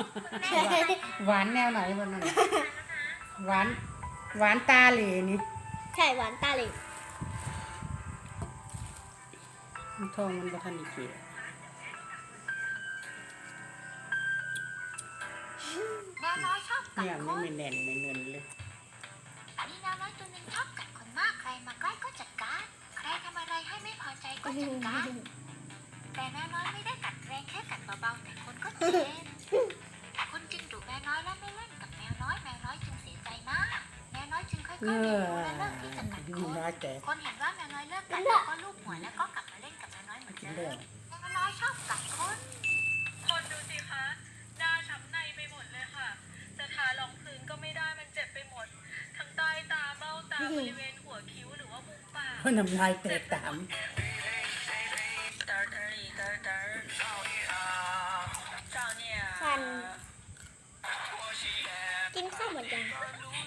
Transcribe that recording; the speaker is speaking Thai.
หวานแนวไหนบ้างนั่นหวานหวานตาเหล่นี่ใช่หวานตาเหลยทองมันบ่ทันอีกเกียแมวน้อยชอบกัดเนี่ยคไม่นมีแน่นไม่เนินเลยมีแมวน้อยตัวหนึ่งชอบกัดคนมากใครมาใกล้ก็จัดการใครทำอะไรให้ไม่พอใจก็จัดการแต่แมวน้อยไม่ได้กัดแรงแค่กัดเบาๆแต่คนก็เจ็บคุณจึงดุแมวน้อยและไม่เล่นกับแมวน้อยจึงเสียใจมากแมวน้อยจึงค่อยๆเอเรียนอรู้และเลิกที่จะกัดมีคนน้อยแต่คนเห็นว่าแมวน้อยเลิกกัดแล้วก็ลูบหัวแล้วก็กลับมาเล่นกับแมวน้อยเหมือนกินเดิเรื่อมงแมวน้อยชอบกัดคนคนดูสิคะหน้าช้ำในไปหมดเลยค่ะ จะทารองพื้นก็ไม่ได้มันเจ็บไปหมด ทั้งใต้ตาเบ้าตาบริเวณหัวคิ้วหรือว่ามุมปากเพราะน้ำลายแตกตามฟันกินข้าวหมดยัง